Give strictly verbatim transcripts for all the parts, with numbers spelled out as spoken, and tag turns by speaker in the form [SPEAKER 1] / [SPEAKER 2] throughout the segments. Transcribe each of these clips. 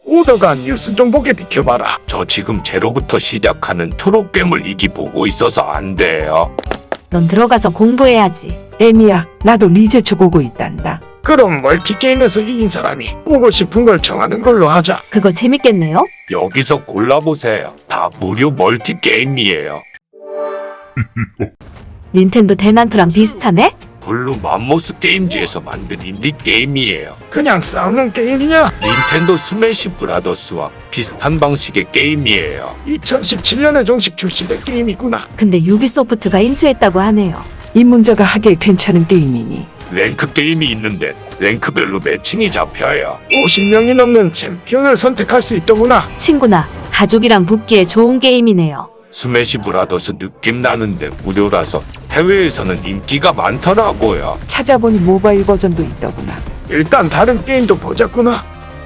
[SPEAKER 1] 오더가 뉴스 좀 보게 비켜봐라. 저 지금 제로부터 시작하는 초록 괴물 이기 보고 있어서 안 돼요.
[SPEAKER 2] 넌 들어가서 공부해야지.
[SPEAKER 3] 애미야, 나도 리제초 보고 있단다.
[SPEAKER 1] 그럼 멀티게임에서 이긴 사람이 보고 싶은 걸 정하는 걸로 하자.
[SPEAKER 2] 그거 재밌겠네요?
[SPEAKER 1] 여기서 골라보세요. 다 무료 멀티게임이에요.
[SPEAKER 2] 닌텐도 대난투랑 비슷하네?
[SPEAKER 1] 블루 맘모스 게임즈에서 만든 인디 게임이에요. 그냥 싸우는 게임이냐? 닌텐도 스매시 브라더스와 비슷한 방식의 게임이에요. 이천십칠 년에 정식 출시된 게임이구나.
[SPEAKER 2] 근데 유비소프트가 인수했다고 하네요.
[SPEAKER 3] 입문자가 하기에 괜찮은 게임이니.
[SPEAKER 1] 랭크 게임이 있는데 랭크별로 매칭이 잡혀요. 오십 명이 넘는 챔피언을 선택할 수 있더구나.
[SPEAKER 2] 친구나 가족이랑 붙기에 좋은 게임이네요.
[SPEAKER 1] 스매시 브라더스 느낌 나는데 무료라서 해외에서는 인기가 많더라고요.
[SPEAKER 3] 찾아보니 모바일 버전도 있더구나.
[SPEAKER 1] 일단 다른 게임도 보자꾸나.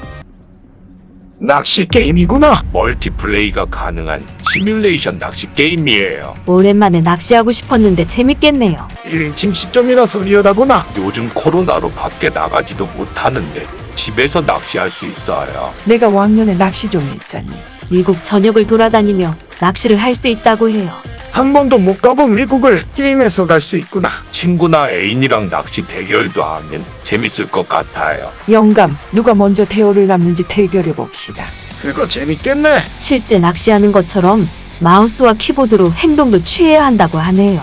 [SPEAKER 1] 낚시 게임이구나. 멀티플레이가 가능한 시뮬레이션 낚시 게임이에요.
[SPEAKER 2] 오랜만에 낚시하고 싶었는데 재밌겠네요.
[SPEAKER 1] 일 인칭 시점이라서 리얼하구나. 요즘 코로나로 밖에 나가지도 못하는데 집에서 낚시할 수 있어요.
[SPEAKER 3] 내가 왕년에 낚시 좀 했잖니.
[SPEAKER 2] 미국 전역을 돌아다니며 낚시를 할 수 있다고 해요.
[SPEAKER 1] 한 번도 못 가본 미국을 게임에서 갈 수 있구나. 친구나 애인이랑 낚시 대결도 하면 재밌을 것 같아요.
[SPEAKER 3] 영감, 누가 먼저 대어를 남는지 대결해 봅시다.
[SPEAKER 1] 그거 재밌겠네.
[SPEAKER 2] 실제 낚시하는 것처럼 마우스와 키보드로 행동도 취해야 한다고 하네요.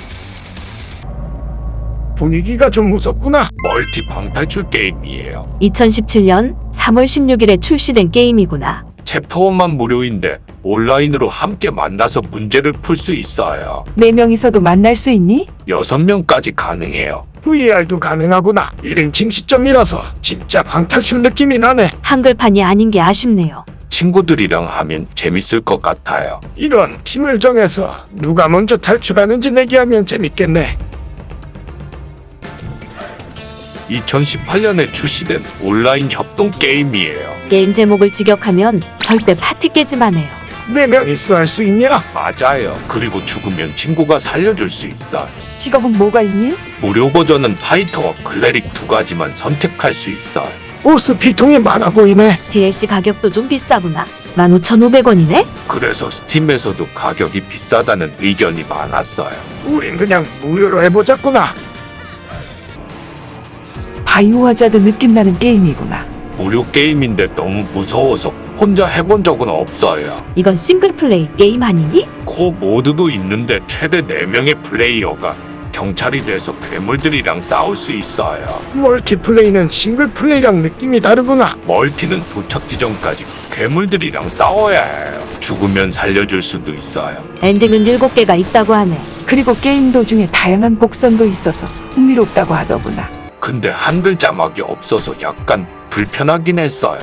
[SPEAKER 1] 분위기가 좀 무섭구나. 멀티 방탈출 게임이에요.
[SPEAKER 2] 이천십칠 년 삼월 십육일에 출시된 게임이구나.
[SPEAKER 1] 챕터원만 무료인데 온라인으로 함께 만나서 문제를 풀 수 있어요.
[SPEAKER 3] 네 명이서도 만날 수 있니?
[SPEAKER 1] 여섯 명까지 가능해요. 브이알도 가능하구나. 일 인칭 시점이라서 진짜 방탈출 느낌이 나네.
[SPEAKER 2] 한글판이 아닌 게 아쉽네요.
[SPEAKER 1] 친구들이랑 하면 재밌을 것 같아요. 이런 팀을 정해서 누가 먼저 탈출하는지 내기하면 재밌겠네. 이천십팔 년에 출시된 온라인 협동 게임이에요.
[SPEAKER 2] 게임 제목을 직역하면 절대 파티 깨지만 해요.
[SPEAKER 1] 네 명이서 할 수 있냐? 맞아요. 그리고 죽으면 친구가 살려줄 수 있어요.
[SPEAKER 3] 직업은 뭐가 있니?
[SPEAKER 1] 무료 버전은 파이터와 클레릭 두 가지만 선택할 수 있어요. 보스 피통이 많아 보이네.
[SPEAKER 2] 디엘씨 가격도 좀 비싸구나. 만 오천오백 원이네?
[SPEAKER 1] 그래서 스팀에서도 가격이 비싸다는 의견이 많았어요. 우린 그냥 무료로 해보자꾸나.
[SPEAKER 3] 바이오하자드 느낌 나는 게임이구나.
[SPEAKER 1] 무료 게임인데 너무 무서워서 혼자 해본 적은 없어요.
[SPEAKER 2] 이건 싱글플레이 게임 아니니?
[SPEAKER 1] 코 모드도 있는데 최대 네 명의 플레이어가 경찰이 돼서 괴물들이랑 싸울 수 있어요. 멀티플레이는 싱글플레이랑 느낌이 다르구나. 멀티는 도착 지점까지 괴물들이랑 싸워야 해요. 죽으면 살려줄 수도 있어요.
[SPEAKER 2] 엔딩은 일곱 개가 있다고 하네.
[SPEAKER 3] 그리고 게임 도중에 다양한 복선도 있어서 흥미롭다고 하더구나.
[SPEAKER 1] 근데 한글 자막이 없어서 약간 불편하긴 했어요.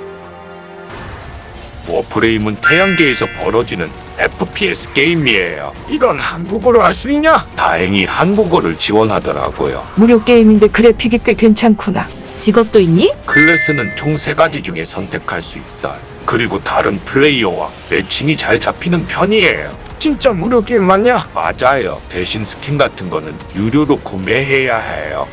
[SPEAKER 1] 워프레임은 태양계에서 벌어지는 에프피에스 게임이에요. 이건 한국어로 할 수 있냐? 다행히 한국어를 지원하더라고요.
[SPEAKER 3] 무료 게임인데 그래픽이 꽤 괜찮구나.
[SPEAKER 2] 직업도 있니?
[SPEAKER 1] 클래스는 총 세 가지 중에 선택할 수 있어요. 그리고 다른 플레이어와 매칭이 잘 잡히는 편이에요. 진짜 무료 게임 맞냐? 맞아요. 대신 스킨 같은 거는 유료로 구매해야 해요.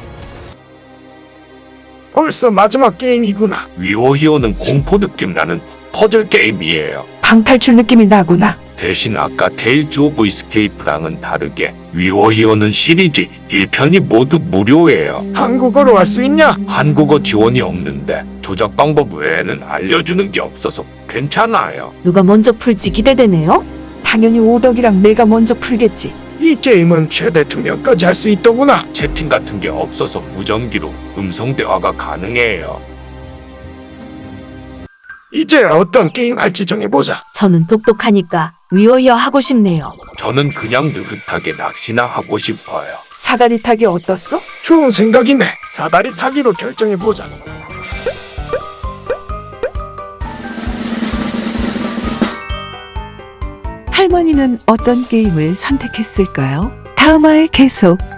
[SPEAKER 1] 벌써 마지막 게임이구나. 위워히어는 공포 느낌 나는 퍼즐 게임이에요.
[SPEAKER 3] 방탈출 느낌이 나구나.
[SPEAKER 1] 대신 아까 테일즈 오브 이스케이프랑은 다르게 위워히어는 시리즈 일 편이 모두 무료예요. 한국어로 할 수 있냐? 한국어 지원이 없는데 조작 방법 외에는 알려주는 게 없어서 괜찮아요.
[SPEAKER 2] 누가 먼저 풀지 기대되네요.
[SPEAKER 3] 당연히 오덕이랑 내가 먼저 풀겠지.
[SPEAKER 1] 이 게임은 최대 두 명까지 할 수 있더구나. 채팅 같은 게 없어서 무전기로 음성 대화가 가능해요. 이제 어떤 게임 할지 정해보자.
[SPEAKER 2] 저는 똑똑하니까 위어이어 하고 싶네요.
[SPEAKER 1] 저는 그냥 느긋하게 낚시나 하고 싶어요.
[SPEAKER 3] 사다리 타기 어떻소?
[SPEAKER 1] 좋은 생각이네. 사다리 타기로 결정해보자.
[SPEAKER 3] 할머니는 어떤 게임을 선택했을까요? 다음화에 계속